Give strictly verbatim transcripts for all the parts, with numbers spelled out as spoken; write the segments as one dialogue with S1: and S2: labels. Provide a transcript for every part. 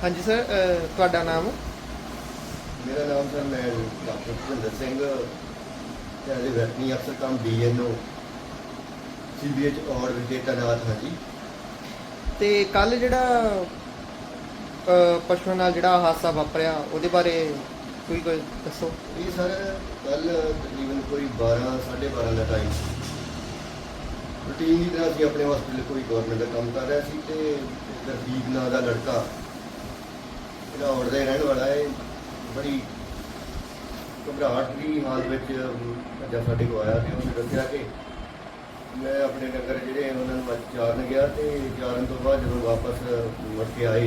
S1: ਹਾਂਜੀ ਸਰ, ਅ, ਤੁਹਾਡਾ ਨਾਮ?
S2: ਮੇਰਾ ਨਾਮ ਸਰ ਮੈਂ doctor Bhupinder Singh as a veterinary ਅਫਸਰ cum D N O C B H Aur ਵਿਖੇ ਤੈਨਾਤ ਹਾਂ ਜੀ।
S1: ਤੇ ਕੱਲ ਜਿਹੜਾ ਅ, ਪਸ਼ੂਆਂ ਨਾਲ ਜਿਹੜਾ ਹਾਦਸਾ ਵਾਪਰਿਆ ਉਹਦੇ ਬਾਰੇ ਕੋਈ ਕੋਈ ਦੱਸੋ।
S2: ਇਹ ਸਰ ਕੱਲ ਤਕਰੀਬਨ ਕੋਈ ਬਾਰਾਂ ਸਾਢੇ ਬਾਰਾਂ ਦਾ ਟਾਈਮ ਸੀ। ਰੂਟੀਨ ਦੀ ਤਰ੍ਹਾਂ ਅਸੀਂ ਆਪਣੇ ਹਸਪੀਟਲ ਕੋਈ ਗਵਰਨਮੈਂਟ ਦਾ ਕੰਮ ਕਰ ਰਿਹਾ ਸੀ ਤੇ ਗਰਦੀਪ ਨਾਂ ਦਾ ਲੜਕਾ ਜਿਹੜਾ ਔੜ ਦਾ ਹੀ ਰਹਿਣ ਵਾਲਾ ਹੈ, ਬੜੀ ਘਬਰਾਹਟ ਦੀ ਹਾਲਤ ਵਿੱਚ ਅੱਜ ਸਾਡੇ ਕੋਲ ਆਇਆ ਤੇ ਉਹਨੇ ਦੱਸਿਆ ਕਿ ਮੈਂ ਆਪਣੇ ਡੰਗਰ ਜਿਹੜੇ ਉਹਨਾਂ ਨੂੰ ਅੱਜ ਚਾਰਨ ਗਿਆ ਤੇ ਚਾਰਨ ਤੋਂ ਬਾਅਦ ਜਦੋਂ ਵਾਪਸ ਮੁੜ ਕੇ ਆਏ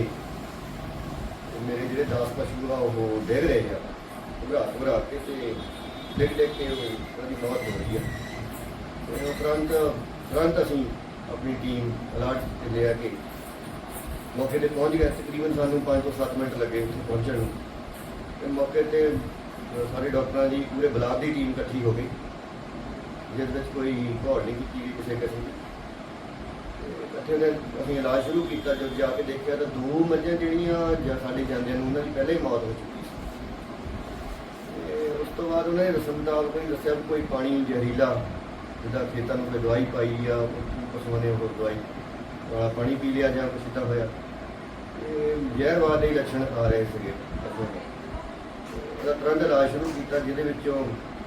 S2: ਤੇ ਮੇਰੇ ਜਿਹੜੇ ਦਸ ਪਸ਼ੂ ਆ ਉਹ ਡਿੱਗ ਰਹੇ ਆ, ਘਬਰਾ ਘਬਰਾ ਕੇ ਤੇ ਡਿੱਗ ਡਿੱਗ ਕੇ ਉਹਦੀ ਮੌਤ ਹੋ ਰਹੀ ਹੈ। ਤੇ ਉਪਰੰਤ ਤੁਰੰਤ ਅਸੀਂ ਆਪਣੀ ਟੀਮ ਅਲਰਟ ਤੇ ਲਿਆ ਕੇ ਮੌਕੇ 'ਤੇ ਪਹੁੰਚ ਗਏ। ਤਕਰੀਬਨ ਸਾਨੂੰ ਪੰਜ ਤੋਂ ਸੱਤ ਮਿੰਟ ਲੱਗੇ ਉੱਥੇ ਪਹੁੰਚਣ ਨੂੰ ਤੇ ਮੌਕੇ 'ਤੇ ਸਾਰੇ ਡਾਕਟਰਾਂ ਦੀ ਪੂਰੇ ਬਲਾਕ ਦੀ ਟੀਮ ਇਕੱਠੀ ਹੋ ਗਈ, ਜਿਸ ਵਿੱਚ ਕੋਈ ਘੋੜ ਨਹੀਂ ਕੀਤੀ ਗਈ ਕਿਸੇ ਕਿਸਮ ਦੀ। ਤੇ ਇਕੱਠੇ ਨੇ ਅਸੀਂ ਇਲਾਜ ਸ਼ੁਰੂ ਕੀਤਾ। ਜਦ ਜਾ ਕੇ ਦੇਖਿਆ ਤਾਂ ਦੋ ਮੱਝਾਂ ਜਿਹੜੀਆਂ ਜਾਂ ਸਾਡੇ ਜਾਂਦਿਆਂ ਨੂੰ ਉਹਨਾਂ ਦੀ ਪਹਿਲਾਂ ਹੀ ਮੌਤ ਹੋ ਚੁੱਕੀ ਸੀ। ਤੇ ਉਸ ਤੋਂ ਬਾਅਦ ਉਹਨੇ ਰਸਮਦਾਰ ਕੋਈ ਦੱਸਿਆ ਵੀ ਕੋਈ ਪਾਣੀ ਜ਼ਹਿਰੀਲਾ ਜਿੱਦਾਂ ਖੇਤਾਂ ਨੂੰ ਕੋਈ ਦਵਾਈ ਪਾਈ ਆ, ਪਸ਼ੂਆਂ ਨੇ ਉਹ ਦਵਾਈ ਵਾਲਾ ਪਾਣੀ ਪੀ ਲਿਆ ਜਾਂ ਕੁਛ ਇੱਦਾਂ ਹੋਇਆ। ਤੇ ਜ਼ਹਿਰਵਾਦ ਦੇ ਲੱਛਣ ਆ ਰਹੇ ਸੀਗੇ ਪਸ਼ੂਆਂ ਦੇ। ਉਹਦਾ ਤੁਰੰਤ ਇਲਾਜ ਸ਼ੁਰੂ ਕੀਤਾ, ਜਿਹਦੇ ਵਿੱਚੋਂ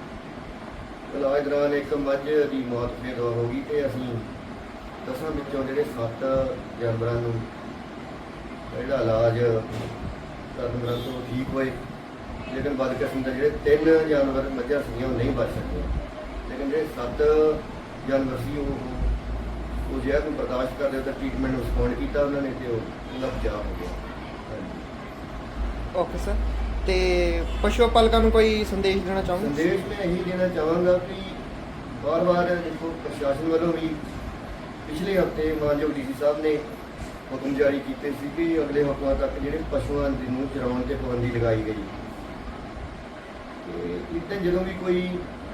S2: ਇਲਾਜ ਦੌਰਾਨ ਇੱਕ ਮੱਝ ਦੀ ਮੌਤ ਫਿਰ ਹੋ ਗਈ ਤੇ ਅਸੀਂ ਦਸਾਂ ਵਿੱਚੋਂ ਜਿਹੜੇ ਸੱਤ ਜਾਨਵਰਾਂ ਨੂੰ ਜਿਹੜਾ ਇਲਾਜ ਕਰਨ ਦੌਰਾਨ ਤੋਂ ਠੀਕ ਹੋਏ, ਲੇਕਿਨ ਬਦਕਿਸਮਤ ਦੇ ਜਿਹੜੇ ਤਿੰਨ ਜਾਨਵਰ ਮੱਝਾਂ ਸੀਗੀਆਂ ਉਹ ਨਹੀਂ ਬਚ ਸਕੀਆਂ। ਲੇਕਿਨ ਜਿਹੜੇ ਸੱਤ ਜਾਨਵਰ ਸੀ ਉਹ ਉਹ ਜ਼ਹਿਰ ਨੂੰ ਬਰਦਾਸ਼ਤ ਕਰਦੇ ਉਹਦਾ ਟ੍ਰੀਟਮੈਂਟ ਨੂੰ ਰਿਸਪੌਂਡ ਕੀਤਾ ਉਹਨਾਂ ਨੇ ਤੇ ਉਹ ਉਹਦਾ ਬਚਾਅ ਹੋ ਗਿਆ। ਹਾਂਜੀ।
S1: ਓਕੇ ਸਰ, ਤੇ ਪਸ਼ੂ ਪਾਲਕਾਂ ਨੂੰ ਕੋਈ ਸੰਦੇਸ਼ ਦੇਣਾ ਚਾਹੋਗੇ?
S2: ਸੰਦੇਸ਼ ਮੈਂ ਇਹੀ ਦੇਣਾ ਚਾਹਾਂਗਾ ਕਿ ਵਾਰ-ਵਾਰ ਦੇਖੋ ਪ੍ਰਸ਼ਾਸਨ ਵੱਲੋਂ ਵੀ ਪਿਛਲੇ ਹਫ਼ਤੇ ਮਾਨਯੋਗ ਡੀ ਸੀ ਸਾਹਿਬ ਨੇ ਹੁਕਮ ਜਾਰੀ ਕੀਤੇ ਸੀ ਕਿ ਅਗਲੇ ਹਫ਼ਤਿਆਂ ਤੱਕ ਜਿਹੜੇ ਪਸ਼ੂਆਂ ਦੀ ਨੂੰ ਚਰਾਉਣ 'ਤੇ ਪਾਬੰਦੀ ਲਗਾਈ ਗਈ। ਤੇ ਇੱਦਾਂ ਜਦੋਂ ਵੀ ਕੋਈ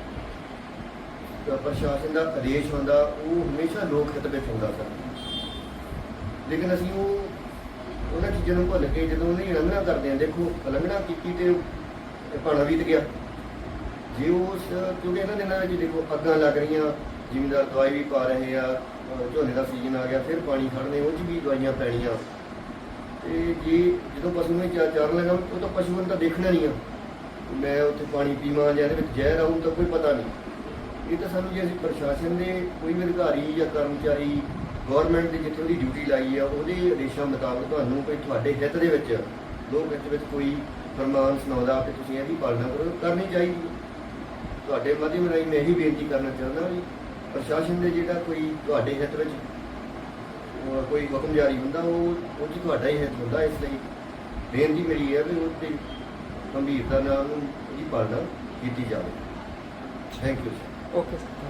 S2: ਪ੍ਰਸ਼ਾਸਨ ਦਾ ਆਦੇਸ਼ ਹੁੰਦਾ ਉਹ ਹਮੇਸ਼ਾ ਲੋਕ ਹਿੱਤ ਵਿੱਚ ਹੁੰਦਾ ਸਰ, ਲੇਕਿਨ ਅਸੀਂ ਉਹ ਉਹਨਾਂ ਚੀਜ਼ਾਂ ਨੂੰ ਭੁੱਲ ਕੇ ਜਦੋਂ ਉਹਦੀ ਉਲੰਘਣਾ ਕਰਦੇ ਹਾਂ, ਦੇਖੋ ਉਲੰਘਣਾ ਕੀਤੀ ਤੇ ਭਾਣਾ ਬੀਤ ਗਿਆ। ਜੇ ਉਸ ਕਿਉਂਕਿ ਇਹਨਾਂ ਦਿਨਾਂ ਵਿੱਚ ਦੇਖੋ ਅੱਗਾਂ ਲੱਗ ਰਹੀਆਂ, ਜ਼ਿਮੀਂਦਾਰ ਦਵਾਈ ਵੀ ਪਾ ਰਹੇ ਆ, ਝੋਨੇ ਦਾ ਸੀਜ਼ਨ ਆ ਗਿਆ, ਫਿਰ ਪਾਣੀ ਖੜਨੇ ਉਹ 'ਚ ਵੀ ਦਵਾਈਆਂ ਪੈਣੀਆਂ। ਤੇ ਜੇ ਜਦੋਂ ਪਸ਼ੂ ਨੂੰ ਚਾਰ ਚਾਰਨ ਲੱਗਾ ਉਹ ਤਾਂ ਪਸ਼ੂ ਨੂੰ ਤਾਂ ਦੇਖਣਾ ਨਹੀਂ ਆ, ਮੈਂ ਉੱਥੇ ਪਾਣੀ ਪੀਵਾਂ ਜਾਂ ਇਹਦੇ ਵਿੱਚ ਜ਼ਹਿਰ ਆਊ ਤਾਂ ਕੋਈ ਪਤਾ ਨਹੀਂ। ਇਹ ਤਾਂ ਸਾਨੂੰ ਜੇ ਅਸੀਂ ਪ੍ਰਸ਼ਾਸਨ ਦੇ ਕੋਈ ਵੀ ਅਧਿਕਾਰੀ ਜਾਂ ਕਰਮਚਾਰੀ ਗੌਰਮੈਂਟ ਦੀ ਜਿੱਥੇ ਉਹਦੀ ਡਿਊਟੀ ਲਾਈ ਆ ਉਹਦੇ ਆਦੇਸ਼ਾਂ ਮੁਤਾਬਕ ਤੁਹਾਨੂੰ ਕੋਈ ਤੁਹਾਡੇ ਹਿੱਤ ਦੇ ਵਿੱਚ ਲੋਕ ਹਿੱਤ ਵਿੱਚ ਕੋਈ ਫਰਮਾਨ ਸੁਣਾਉਂਦਾ ਕਿ ਤੁਸੀਂ ਇਹਦੀ ਪਾਲਣਾ ਕਰੋ, ਕਰਨੀ ਚਾਹੀਦੀ। ਤੁਹਾਡੇ ਮਾਧਿਅਮ ਰਾਹੀਂ ਮੈਂ ਇਹੀ ਬੇਨਤੀ ਕਰਨਾ ਚਾਹੁੰਦਾ ਵੀ ਪ੍ਰਸ਼ਾਸਨ ਦੇ ਜਿਹੜਾ ਕੋਈ ਤੁਹਾਡੇ ਹਿੱਤ ਵਿੱਚ ਕੋਈ ਹੁਕਮ ਜਾਰੀ ਹੁੰਦਾ ਉਹ ਉਹ 'ਚ ਤੁਹਾਡਾ ਹੀ ਹਿੱਤ ਹੁੰਦਾ। ਇਸ ਲਈ ਬੇਨਤੀ ਮੇਰੀ ਹੈ ਵੀ ਉਹ 'ਤੇ ਗੰਭੀਰਤਾ ਨਾਲ ਉਹਦੀ ਪਾਲਣਾ ਕੀਤੀ ਜਾਵੇ। Thank you sir.
S1: Okay sir.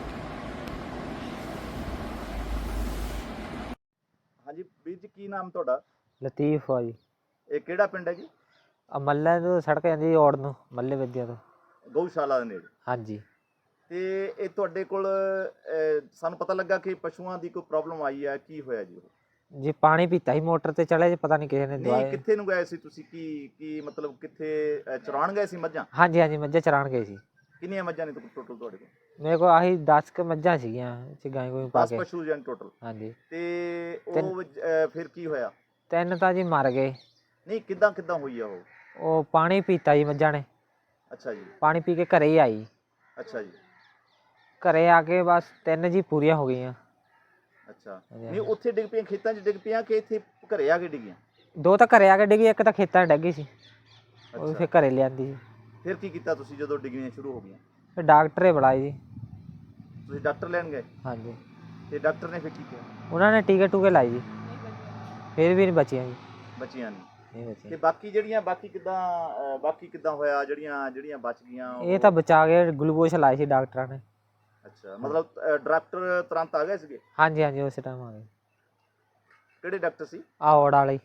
S3: ਹਾਂਜੀ ਵੀਰ ਜੀ, ਕੀ ਨਾਮ ਤੁਹਾਡਾ?
S4: ਲਤੀਫ ਆ ਜੀ।
S3: ਇਹ ਕਿਹੜਾ ਪਿੰਡ ਹੈ ਜੀ?
S4: ਆ ਮੱਲੇ ਤੋਂ ਸੜਕ ਜਾਂਦੀ ਜੀ ਔੜ ਨੂੰ, ਮੱਲੇ ਵਿਦਿਆ ਤੋਂ।
S3: ਗਊਸ਼ਾਲਾ ਦੇ ਨੇੜੇ।
S4: ਹਾਂਜੀ।
S3: ਤੇ ਇਹ ਤੁਹਾਡੇ ਕੋਲ ਅਹ, ਸਾਨੂੰ ਪਤਾ ਲੱਗਾ ਕਿ ਪਸ਼ੂਆਂ ਦੀ ਕੋਈ ਪ੍ਰੋਬਲਮ ਆਈ ਹੈ, ਕੀ ਹੋਇਆ ਜੀ? ਉਹ
S4: ਜੀ ਪਾਣੀ ਪੀਤਾ ਸੀ ਮੋਟਰ ਤੇ ਚੜ੍ਹੇ ਜੀ, ਪਤਾ ਨਹੀਂ ਕਿਸੇ ਨੇ
S3: ਨਹੀਂ,
S4: ਦਵਾਈ।
S3: ਕਿੱਥੇ ਨੂੰ ਗਏ ਸੀ ਤੁਸੀਂ? ਕੀ ਕੀ ਮਤਲਬ ਕਿੱਥੇ ਅਹ, ਚਰਾਉਣ ਗਏ ਸੀ ਮੱਝਾਂ?
S4: ਹਾਂਜੀ ਹਾਂਜੀ, ਮੱਝਾਂ ਚਰਾਉਣ ਗਏ ਸੀ।
S3: ਕਿੰਨੀਆਂ ਮੱਝਾਂ ਨੇ ਟੋਟਲ ਤੁਹਾਡੇ ਕੋਲ?
S4: ਮੇਰੇ ਕੋਲ ਆਹੀ ਦਸ ਕੁ ਮੱਝਾਂ ਸੀਗੀਆਂ, ਚ ਗਾਂ ਕੋਈ ਪਾ
S3: ਦਸ
S4: ਕੇ।
S3: ਪਸ਼ੂ ਜਾਂ ਟੋਟਲ?
S4: ਹਾਂਜੀ।
S3: ਤੇ
S4: ਤਿੰਨ-
S3: ਉਹ ਅਹ, ਫਿਰ ਕੀ ਹੋਇਆ?
S4: ਤਿੰਨ ਤਾਂ ਜੀ ਮਰ ਗਏ।
S3: ਨਹੀਂ, ਕਿੱਦਾਂ ਕਿੱਦਾਂ ਹੋਈ ਆ ਉਹ?
S4: ਉਹ ਪਾਣੀ ਪੀਤਾ ਜੀ ਮੱਝਾਂ ਨੇ।
S3: ਅੱਛਾ ਜੀ।
S4: ਪਾਣੀ ਪੀ ਕੇ ਘਰੇ ਹੀ ਆਈ।
S3: ਅੱਛਾ ਜੀ।
S4: ਘਰੇ ਆ ਕੇ ਬਸ ਤਿੰਨ ਜੀ ਪੂਰੀਆਂ ਹੋ ਗਈਆਂ।
S3: ਅੱਛਾ,
S4: ਹਾਂਜੀ।
S3: ਨਹੀਂ ਉੱਥੇ ਡਿੱਗ ਪਈਆਂ, ਖੇਤਾਂ 'ਚ ਡਿੱਗ ਪਈਆਂ ਕਿ ਇੱਥੇ ਘਰੇ ਆ ਕੇ ਡਿੱਗੀਆਂ?
S4: ਦੋ ਤਾਂ ਘਰੇ ਆ ਕੇ ਡਿੱਗੀ, ਇੱਕ ਤਾਂ ਖੇਤਾਂ 'ਚ ਡਿੱਗੀ ਸੀ, ਉਹ
S3: ਅੱਛਾ,
S4: ਫਿਰ ਘਰੇ ਲਿਆਂਦੀ ਜੀ।
S3: ਫਿਰ ਕੀ ਕੀਤਾ ਤੁਸੀਂ ਜਦੋਂ ਡਿੱਗਣੀਆਂ ਸ਼ੁਰੂ ਹੋ ਗਈਆਂ?
S4: ਫਿਰ ਡਾਕਟਰੇ ਬੁਲਾਏ ਜੀ।
S3: ਤੁਸੀਂ ਡਾਕਟਰ ਲੈਣ ਗਏ
S4: ਹਾਂਜੀ।
S3: ਤੇ ਡਾਕਟਰ ਨੇ ਫਿਰ ਕੀ ਕਿਹਾ?
S4: ਉਹਨਾਂ ਨੇ ਟੀਕੇ ਟੂਕੇ ਲਾਏ ਜੀ, ਫਿਰ ਵੀ ਨਹੀਂ ਬਚੀਆਂ ਜੀ।
S3: ਬਚੀਆਂ ਨਹੀਂ?
S4: ਨਹੀਂ
S3: ਤੇ
S4: ਬਚੀਆਂ।
S3: ਬਾਕੀ ਜਿਹੜੀਆਂ ਬਾਕੀ ਕਿੱਦਾਂ ਅਹ ਬਾਕੀ ਕਿੱਦਾਂ ਹੋਇਆ ਜਿਹੜੀਆਂ ਜਿਹੜੀਆਂ ਬਚ ਗਈਆਂ?
S4: ਇਹ
S3: ਉਹ-
S4: ਤਾਂ ਬਚਾ ਕੇ ਗਲੂਕੋਸ਼ ਲਾਏ ਸੀ ਡਾਕਟਰਾਂ ਨੇ।
S3: ਅੱਛਾ, ਮਤਲਬ ਅਹ ਡਾਕਟਰ ਤੁਰੰਤ ਆ ਗਏ ਸੀਗੇ?
S4: ਹਾਂਜੀ ਹਾਂਜੀ, ਉਸੇ ਟਾਈਮ ਆ ਗਏ।
S3: ਕਿਹੜੇ ਡਾਕਟਰ ਸੀ?
S4: ਆ ਔੜ ਵਾਲੇ।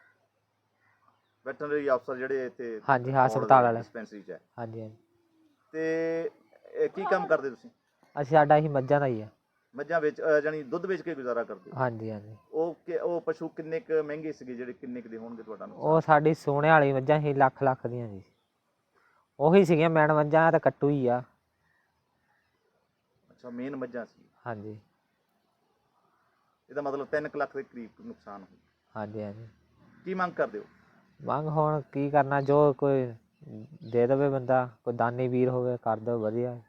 S3: ਵੈਟਰਨਰੀ ਅਫਸਰ ਜਿਹੜੇ ਇੱਥੇ
S4: ਹਾਂਜੀ, ਹਸਪਤਾਲ ਵਾਲੇ।
S3: ਡਿਸਪੈਂਸਰੀ 'ਚ ਹੈ?
S4: ਹਾਂਜੀ ਹਾਂਜੀ।
S3: ਤੇ ਇਹ ਕੀ ਕੰਮ ਕਰਦੇ ਤੁਸੀਂ?
S4: ਅਸੀਂ ਸਾਡਾ ਹੀ ਮੱਝਾਂ ਦਾ ਹੀ ਆ।
S3: ਮੱਝਾਂ ਵੇਚ ਅਹ ਜਾਣੀ ਦੁੱਧ ਵੇਚ ਕੇ ਗੁਜ਼ਾਰਾ ਕਰਦੇ ਹੋ?
S4: ਹਾਂਜੀ ਹਾਂਜੀ।
S3: ਉਹ ਕਿ- ਉਹ ਪਸ਼ੂ ਕਿੰਨੇ ਕੁ ਮਹਿੰਗੇ ਸੀਗੇ, ਜਿਹੜੇ ਕਿੰਨੇ ਕੁ ਦੇ ਹੋਣਗੇ ਤੁਹਾਡਾ ਨੁਕਸਾਨ?
S4: ਉਹ ਸਾਡੀ ਸੋਨੇ ਵਾਲੀ ਮੱਝਾਂ ਸੀ, ਲੱਖ ਲੱਖ ਦੀਆਂ ਜੀ। ਉਹੀ ਸੀਗੀਆਂ ਮੈਨ ਮੱਝਾਂ, ਤਾਂ ਕੱਟੂ ਹੀ ਆ।
S3: ਅੱਛਾ, ਮੇਨ ਮੱਝਾਂ ਸੀ।
S4: ਹਾਂਜੀ
S3: ਇਹਦਾ ਮਤਲਬ ਤਿੰਨ ਕੁ ਲੱਖ ਦੇ ਕਰੀਬ ਨੁਕਸਾਨ ਹੋਇਆ।
S4: ਹਾਂਜੀ ਹਾਂਜੀ।
S3: ਕੀ ਮੰਗ ਕਰਦੇ ਹੋ?
S4: ਮੰਗ ਹੁਣ ਕੀ ਕਰਨਾ, ਜੋ ਕੋਈ ਦੇ ਦੇਵੇ ਬੰਦਾ, ਕੋਈ ਦਾਨੀ ਵੀਰ ਹੋਵੇ ਕਰ ਦੇਵੇ ਵਧੀਆ।